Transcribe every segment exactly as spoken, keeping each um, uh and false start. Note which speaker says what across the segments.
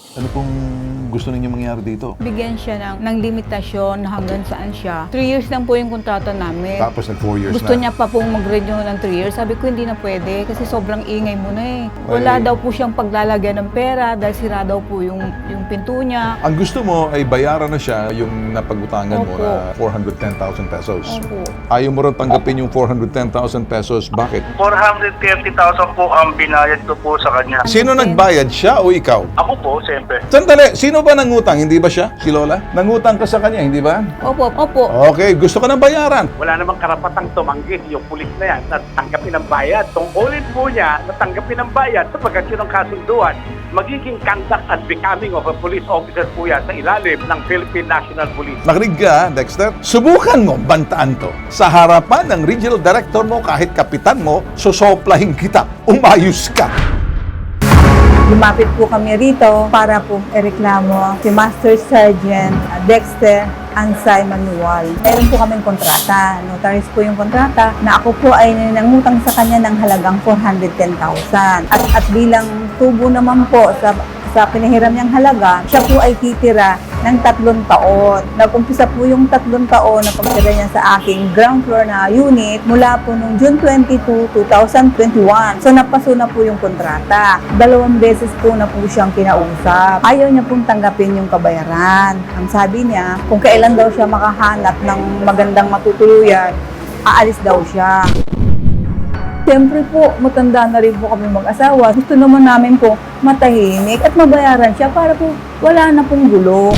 Speaker 1: Ano pong gusto ninyo mangyari dito?
Speaker 2: Bigyan siya ng, ng limitasyon hanggang saan siya. Three years lang po yung kontrata namin.
Speaker 1: Tapos nag four years
Speaker 2: Gusto
Speaker 1: na.
Speaker 2: niya pa pong mag-renew ng three years. Sabi ko hindi na pwede kasi sobrang ingay mo na eh. Wala
Speaker 1: Ay.
Speaker 2: daw po siyang paglalagyan ng pera dahil sira daw po yung, yung pinto niya.
Speaker 1: Ang gusto mo ay bayaran na siya yung napagutangan mo
Speaker 2: Opo.
Speaker 1: na four hundred ten thousand pesos.
Speaker 2: Opo.
Speaker 1: Ayaw mo rin tanggapin yung four hundred ten thousand pesos. Bakit?
Speaker 3: four hundred thirty thousand po ang binayad ko po sa kanya.
Speaker 1: Sino nagbayad, siya o ikaw?
Speaker 3: Ako po, siyempre.
Speaker 1: Sandali, sino ba nangutang? Hindi ba siya? Si Lola? Nangutang ka sa kanya, hindi ba?
Speaker 2: Opo, opo.
Speaker 1: Okay, gusto ka ng bayaran.
Speaker 4: Wala namang karapatang tumanggi yung pulis na yan na tanggapin ang bayad. Tungkulin po niya na tanggapin ang bayad sapagkat yun ang kasunduan. Magiging conduct and becoming of a police officer po yan sa ilalim ng Philippine National Police.
Speaker 1: Nakinig ka, Dexter? Subukan mo, bantaan to. Sa harapan ng regional director mo, kahit kapitan mo, susoplahin kita. Umayos ka.
Speaker 5: Lumapit po kami rito para po ireklamo si Master Sergeant Dexter Ansay Manuel. Meron po kaming kontrata. Notarized po yung kontrata na ako po ay nangutang sa kanya ng halagang four hundred ten thousand. At, at bilang tubo naman po sa sa pinahiram niyang halaga, siya po ay titira ng tatlong taon. Nag-umpisa po yung tatlong taon na pagtira niya sa aking ground floor na unit mula po noong June twenty-two, two thousand twenty-one. So napaso na po yung kontrata. Dalawang beses po na po siyang kinausap. Ayaw niya pong tanggapin yung kabayaran. Ang sabi niya, kung kailan daw siya makahanap ng magandang matutuluyan, aalis daw siya. Siyempre po, matanda na rin po kami mag-asawa. Gusto naman namin po matahimik at mabayaran siya para po wala na pong gulo.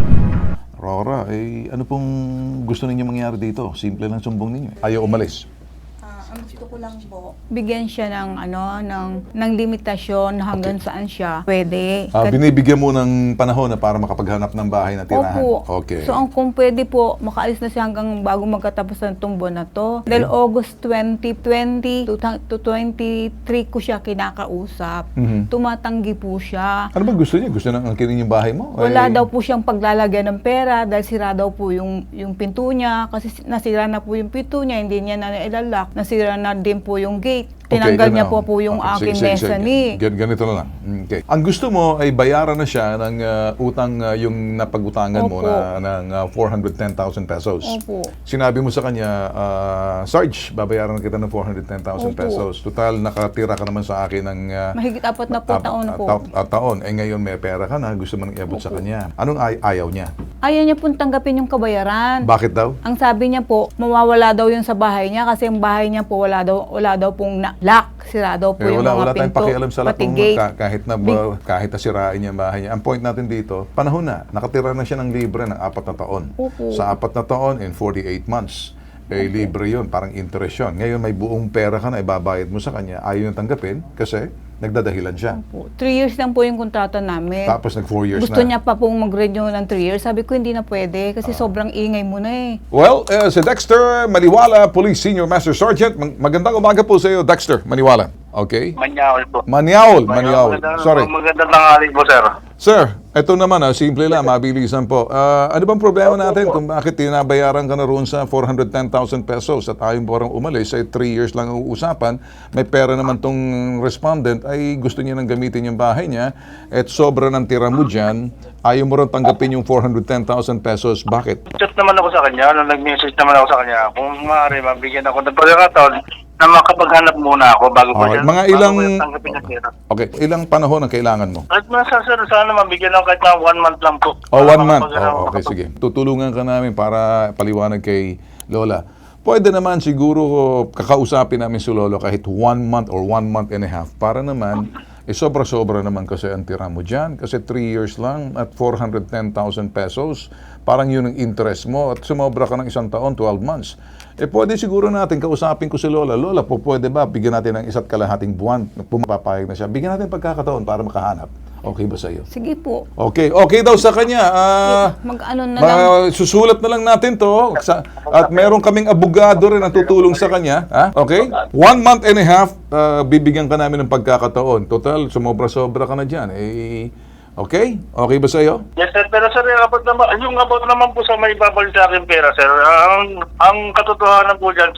Speaker 1: Rora, eh, ano pong gusto ninyo mangyari dito? Simple lang sumbong ninyo. Ayaw umalis.
Speaker 5: Ang gusto ko lang po,
Speaker 2: Bigyan siya ng ano ng ng limitasyon hanggang saan siya pwede.
Speaker 1: Ah,
Speaker 2: Kat-
Speaker 1: binibigyan mo ng panahon na para makapaghanap ng bahay na tirahan.
Speaker 2: Opo.
Speaker 1: Okay.
Speaker 2: So ang kung pwede po, makaalis na siya hanggang bago magkatapos ng tumbo na to. Dahil August twenty twenty to, to twenty-three ko siya kinakausap.
Speaker 1: Mhm.
Speaker 2: Tumatanggi po siya.
Speaker 1: Ano ba gusto niya? Gusto nang angkinin yung bahay mo?
Speaker 2: Wala
Speaker 1: Eh,
Speaker 2: daw po siyang paglalagyan ng pera dahil sira daw po yung, yung pinto niya. Kasi nasira na po yung pinto niya, hindi niya na ilalak. Nasira na din po yung gate. Tinanggal
Speaker 1: okay,
Speaker 2: niya
Speaker 1: ganun.
Speaker 2: po po yung
Speaker 1: Okay,
Speaker 2: aking
Speaker 1: sige, sige, sige.
Speaker 2: mezzanine.
Speaker 1: Gan- Ganito na lang. Okay. Ang gusto mo ay bayaran na siya ng ah, utang ah, yung napagutangan mo
Speaker 2: Opo.
Speaker 1: na ng ah, four hundred ten thousand pesos.
Speaker 2: Opo.
Speaker 1: Sinabi mo sa kanya, ah, Sarge, babayaran kita ng four hundred ten thousand
Speaker 2: Opo.
Speaker 1: pesos. Total, nakatira ka naman sa akin ng ah,
Speaker 2: Mahigit apat na po
Speaker 1: ah,
Speaker 2: taon
Speaker 1: ah,
Speaker 2: po.
Speaker 1: ta- ah, taon. Eh ngayon may pera ka na, gusto mo nang iabot sa kanya. Anong ay- ayaw niya?
Speaker 2: Ayaw niya pong tanggapin yung kabayaran.
Speaker 1: Bakit daw?
Speaker 2: Ang sabi niya po, mawawala daw yun sa bahay niya kasi yung bahay niya po wala daw wala daw pong na- lock, sira daw po
Speaker 1: Eh,
Speaker 2: yung
Speaker 1: wala,
Speaker 2: mga
Speaker 1: wala tayong
Speaker 2: pinto,
Speaker 1: pakialam sa lahat
Speaker 2: pati
Speaker 1: ng
Speaker 2: gate.
Speaker 1: ka- kahit na ba- kahit na sirain niya ang bahay niya. Ang point natin dito, panahon na, nakatira na siya ng libre ng apat na taon.
Speaker 2: Opo.
Speaker 1: Sa apat na taon, in forty-eight months, eh, libre yun, parang interest yun. Ngayon may buong pera ka na, ibabayad mo sa kanya, ayaw yung tanggapin kasi nagdadahilan siya.
Speaker 2: Po. Three years lang po yung kontrata namin.
Speaker 1: Tapos nag four years
Speaker 2: Gusto
Speaker 1: na.
Speaker 2: niya pa pong mag-renew ng three years. Sabi ko hindi na pwede kasi sobrang ingay mo na eh.
Speaker 1: Well, eh, si Dexter Maniwala, Police Senior Master Sergeant. Mag- magandang umaga po sa iyo, Dexter Maniwala. Okay?
Speaker 3: Manyawal po.
Speaker 1: Maniaol, Maniaol.
Speaker 3: Magandang-
Speaker 1: Sorry.
Speaker 3: Magandang tanghali po, sir.
Speaker 1: Sir, ito naman, ah, simple lang, mabilisan po. Ah, ano bang problema natin kung bakit tinabayaran ka na roon sa four hundred ten thousand pesos at ayaw mo parang umalis, ay three years lang ang uusapan, may pera naman tong respondent, ay gusto niya nang gamitin yung bahay niya, at sobra ng tira mo dyan, ayaw mo rin tanggapin yung four hundred ten thousand pesos. Bakit?
Speaker 3: Chat naman ako sa kanya, nung nag-message naman ako sa kanya, kung maaari, mabigyan ako ng pagkakataon na makapaghanap muna ako bago ko
Speaker 1: Okay,
Speaker 3: siya.
Speaker 1: mga
Speaker 3: bago
Speaker 1: ilang-
Speaker 3: ko yung tanggapin niya pera.
Speaker 1: Okay, ilang panahon ang kailangan mo?
Speaker 3: At masa, sir, sana mabigyan ako kahit na one month lang po.
Speaker 1: Oh,
Speaker 3: Para
Speaker 1: one month.
Speaker 3: makapag-
Speaker 1: Oh, okay, sige. Tutulungan ka namin para paliwanag kay Lola. Pwede naman siguro kakausapin namin si Lolo kahit one month or one month and a half para naman, eh sobra-sobra naman kasi ang tira mo dyan. Kasi three years lang at four hundred ten thousand pesos, parang yun ang interest mo at sumobra ka ng isang taon, twelve months. Eh pwede siguro natin, kausapin ko si Lola. Lola, po pwede ba bigyan natin ng isa't kalahating buwan na pumapapayag na siya? Bigyan natin pagkakataon para makahanap. Okay ba sa iyo?
Speaker 2: Sige po.
Speaker 1: Okay, okay daw sa kanya. Ah,
Speaker 2: Mag-ano na lang.
Speaker 1: Ma- susulat na lang natin to. Sa, at meron kaming abogado rin na tutulong sa kanya. Ha? Okay? One month and a half, ah, bibigyan ka namin ng pagkakataon. Total, sumobra-sobra ka na dyan. Eh, okay? Okay ba sa iyo?
Speaker 3: Yes, sir. Pero sir, yung about naman, yung about naman po sa may babalik sa akin pera, sir, ang, ang katotohanan po dyan, sir,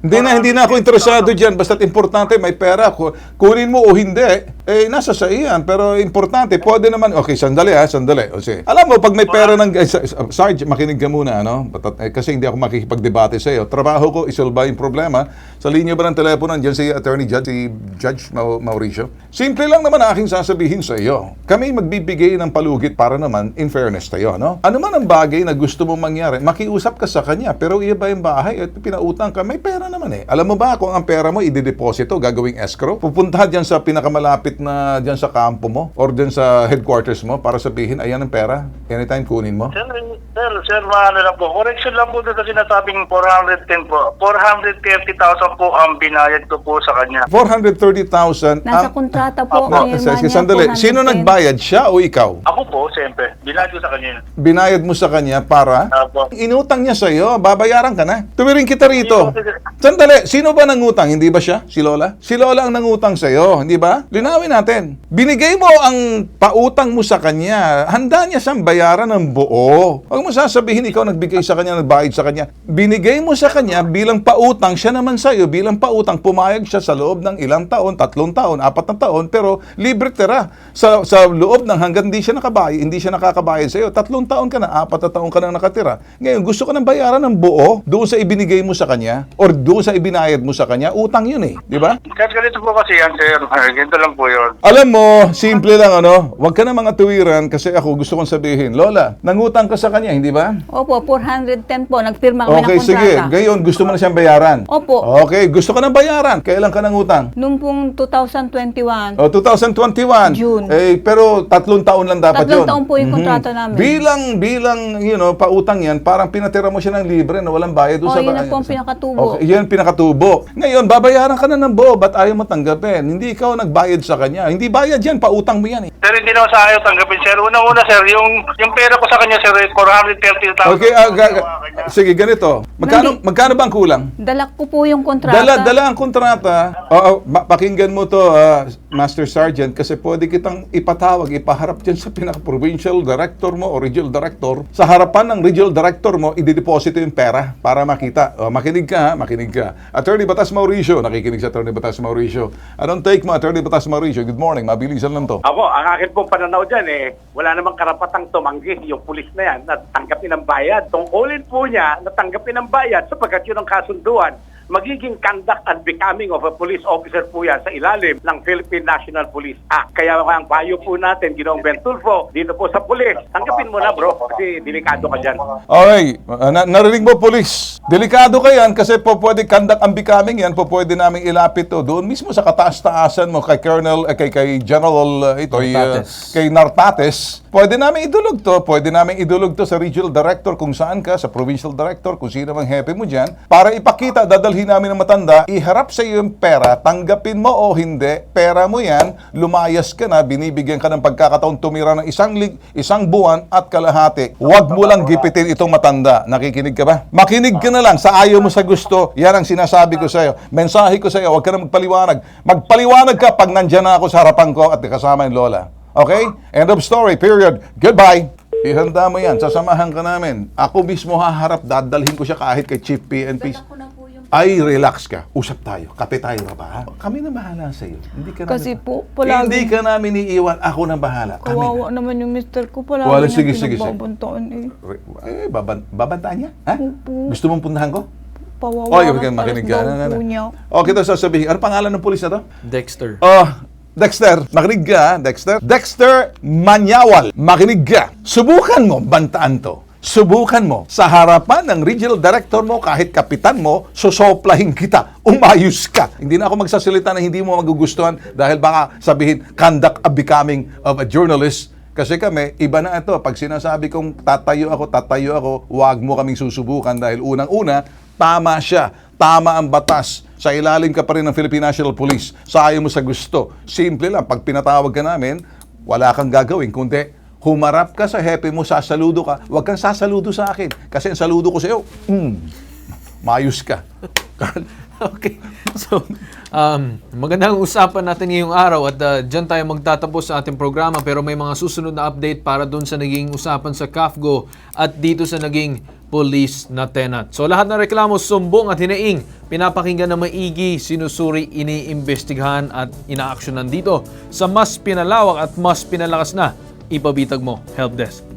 Speaker 1: Hindi na, hindi na ako interesado dyan. Basta't importante, may pera. Ku- Kunin mo o hindi, eh, nasa sa iyan. Pero importante, pwede naman, okay, sandali ha, sandali. O, sige. Alam mo, pag may pera ng, eh, sa- sa- Sarge, makinig ka muna, ano? Batat, eh, kasi hindi ako makikipagdebate sa iyo. Trabaho ko, isolba yung problema. Sa linya ba ng telepono, nandiyan si Attorney Judge, si Judge Mau- Mauricio. Simple lang naman ang aking sasabihin sa iyo. Kami magbibigay ng palugit para naman, in fairness tayo, no? Ano man ang bagay na gusto mong mangyari, makiusap ka sa kanya. Pero iya ba yung bahay at pinautang ka, may pera naman eh. Alam mo ba kung ang pera mo i-deposito, gagawing escrow? Pupunta dyan sa pinakamalapit na dyan sa kampo mo or dyan sa headquarters mo para sabihin, ayan ang pera. Anytime kunin mo.
Speaker 3: Sir, sir, sir, maano lang po. Correction lang po doon sa sinasabing four hundred ten po. four hundred thirty thousand po ang binayad ko po sa kanya.
Speaker 1: four hundred thirty thousand.
Speaker 2: Nasa
Speaker 1: ang-
Speaker 2: kontrata po.
Speaker 1: No,
Speaker 2: ang
Speaker 1: sa-
Speaker 2: Irmania,
Speaker 1: sandali. Sino
Speaker 2: four hundred ten.
Speaker 1: nagbayad? Siya o ikaw?
Speaker 3: Ako po, siyempre. Binayad ko sa kanya.
Speaker 1: Binayad mo sa kanya para
Speaker 3: Apo.
Speaker 1: inutang niya sa iyo, babayaran ka na. Tuwirin kita rito. Sandali, sino ba nangutang? Hindi ba siya? Si Lola? Si Lola ang nangutang sa iyo, hindi ba? Linawin natin. Binigay mo ang pautang mo sa kanya. Handa niya siyang bayaran ng buo. Huwag mo sasabihin ikaw nagbigay sa kanya, nagbayad sa kanya. Binigay mo sa kanya bilang pautang, siya naman sa iyo bilang pautang, pumayag siya sa loob ng ilang taon, tatlong taon, apat na taon, pero libre tira. Sa, sa loob ng hanggang hindi siya nakabayad, hindi siya nakakabayad sa iyo. Tatlong taon ka na, apat na taon ka na nakatira. Ngayon, gusto ka ng bayaran ng buo doon sa ibinigay mo sa kanya or doon sa ibinayad mo sa kanya, utang yun eh. Di ba?
Speaker 3: Kahit ganito po kasi yan, sir. Ay, ganito lang po yun.
Speaker 1: Alam mo, simple lang ano, huwag ka na mga tuwiran kasi ako gusto kong sabihin, Lola, nangutang ka sa kanya, hindi ba?
Speaker 2: Opo, four hundred ten po. Nagpirma kami
Speaker 1: Okay,
Speaker 2: ng kontrata.
Speaker 1: sige. Ngayon, gusto mo na siyang bayaran.
Speaker 2: Opo.
Speaker 1: Okay, gusto ka na bayaran. Kailan ka nangutang?
Speaker 2: Noong pong two thousand twenty-one.
Speaker 1: O, twenty twenty-one.
Speaker 2: June.
Speaker 1: Eh, pero tatlong taon lang dapat
Speaker 2: Tatlong
Speaker 1: yun.
Speaker 2: taon po yung
Speaker 1: Mhm.
Speaker 2: kontrata namin.
Speaker 1: Bilang, bilang, you know, pautang yan, parang pinatira mo siya ng libre na walang bayad. doon
Speaker 2: Oh,
Speaker 1: sa
Speaker 2: yun
Speaker 1: ba-
Speaker 2: na po ang
Speaker 1: sa-
Speaker 2: pinakatubo.
Speaker 1: Okay, yun ang pinakatubo. Ngayon, babayaran ka na ng buo, ba't ayaw mo tanggapin? Hindi ikaw nagbayad sa kanya. Hindi bayad yan, pautang mo yan eh.
Speaker 3: Sir, hindi naman sa ayaw tanggapin, sir. Unang-una, sir, yung, yung pera ko sa kanya, sir, four hundred thirty thousand.
Speaker 1: Okay, ah, ga- ga- sige, ganito. Magkano,
Speaker 2: Hindi.
Speaker 1: magkano ba ang kulang?
Speaker 2: Dalak ko po yung kontrata.
Speaker 1: Dala, dala ang kontrata. Oo, ma- pakinggan mo to, ah, Master Sergeant, kasi pwede kitang ipatawag, ipaharap dyan sa pinaka-provincial director mo o regional director. Sa harapan ng regional director mo, i-deposito yung pera para makita. O, makinig ka, ha? Makinig ka. Attorney Batas Mauricio, nakikinig sa Attorney Batas Mauricio. Anong take mo, Attorney Batas Mauricio? Good morning, mabilisan lang to.
Speaker 4: Ako, ang akin pong pananaw dyan eh, wala namang karapatang tumanggi yung pulis na yan na tanggapin ang bayad. Tungkulin po niya na tanggapin ang bayad sapagkat yun ang kasunduan. Magiging conduct and becoming of a police officer po yan sa ilalim ng Philippine National Police Act. Kaya ang payo po natin, Ginoong Bentulfo, dito po sa pulis, tanggapin mo na bro, kasi delikado ka dyan.
Speaker 1: Okay, uh, na- narinig mo, police. Delikado ka yan kasi po pwede conduct ang becoming yan, po pwede namin ilapit to doon mismo sa kataas-taasan mo kay Colonel, eh, kay, kay General, uh, ito, uh,
Speaker 6: Nartates.
Speaker 1: kay Nartates. Pwede namin idulog to, pwede namin idulog to sa regional director kung saan ka, sa provincial director, kung sino mang hepe mo dyan, para ipakita, dadalhin namin ng matanda, iharap sa iyo yung pera, tanggapin mo o hindi, pera mo yan, lumayas ka na, binibigyan ka ng pagkakataon tumira ng isang, lig, isang buwan at kalahati. Huwag mo lang gipitin itong matanda. Nakikinig ka ba? Makinig ka na lang sa ayaw mo sa gusto. Yan ang sinasabi ko sa iyo. Mensahe ko sa iyo, huwag ka na magpaliwanag. Magpaliwanag ka pag nandyan na ako sa harapan ko at kasama yung lola. Okay? End of story. Period. Goodbye. Ihanda mo yan. Sasamahan ka namin. Ako mismo haharap. Dadalhin ko siya kahit kay Chief P N P. Ay, relax ka. Usap tayo. Kape tayo ka ba? Ha? Kami na bahala sa iyo. Hindi ka
Speaker 2: Kasi
Speaker 1: namin,
Speaker 2: po, palagi-
Speaker 1: Hindi ka namin iiwan. Ako na bahala. Kami na.
Speaker 2: Kawawa naman yung mister ko. Palagi
Speaker 1: Wala,
Speaker 2: niya
Speaker 1: sige, sige, sige.
Speaker 2: pinagbabantaan eh.
Speaker 1: Eh, baban babantaan niya? Ha?
Speaker 2: Opo.
Speaker 1: Gusto mong puntahan ko?
Speaker 2: Pawawa
Speaker 1: Oy,
Speaker 2: na
Speaker 1: okay, makinig ka.
Speaker 2: talas daw
Speaker 1: Na, na,
Speaker 2: po niya.
Speaker 1: na. Okay, ito sasabihin. Ano pangalan ng pulis na to?
Speaker 6: Dexter.
Speaker 1: Oh, Dexter. Makinig ka, ha, Dexter. Dexter Manyawal. Makinig ka. Subukan mo, bantaan to. Subukan mo. Sa harapan ng regional director mo, kahit kapitan mo, susoplahin kita. Umayos ka. Hindi na ako magsasalita na hindi mo magugustuhan dahil baka sabihin, conduct a becoming of a journalist. Kasi kami, iba na ito. Pag sinasabi kong tatayo ako, tatayo ako, huwag mo kaming susubukan dahil unang-una, tama siya. Tama ang batas. Sa ilalim ka pa rin ng Philippine National Police. Sayo mo sa gusto. Simple lang. Pag pinatawag ka namin, wala kang gagawin. Kundi, humarap ka sa hepe mo, sasaludo ka. Huwag kang sasaludo sa akin. Kasi ang saludo ko sa iyo, mm, maayos ka.
Speaker 6: Okay. So, um, magandang usapan natin ngayong araw at uh, dyan tayo magtatapos sa ating programa, pero may mga susunod na update para dun sa naging usapan sa C A F G O at dito sa naging police na tenant. So lahat ng reklamo, sumbong at hinaing, pinapakinggan na maigi, sinusuri, iniimbestigahan at inaaksyonan dito sa mas pinalawak at mas pinalakas na Ipabitag Mo Helpdesk.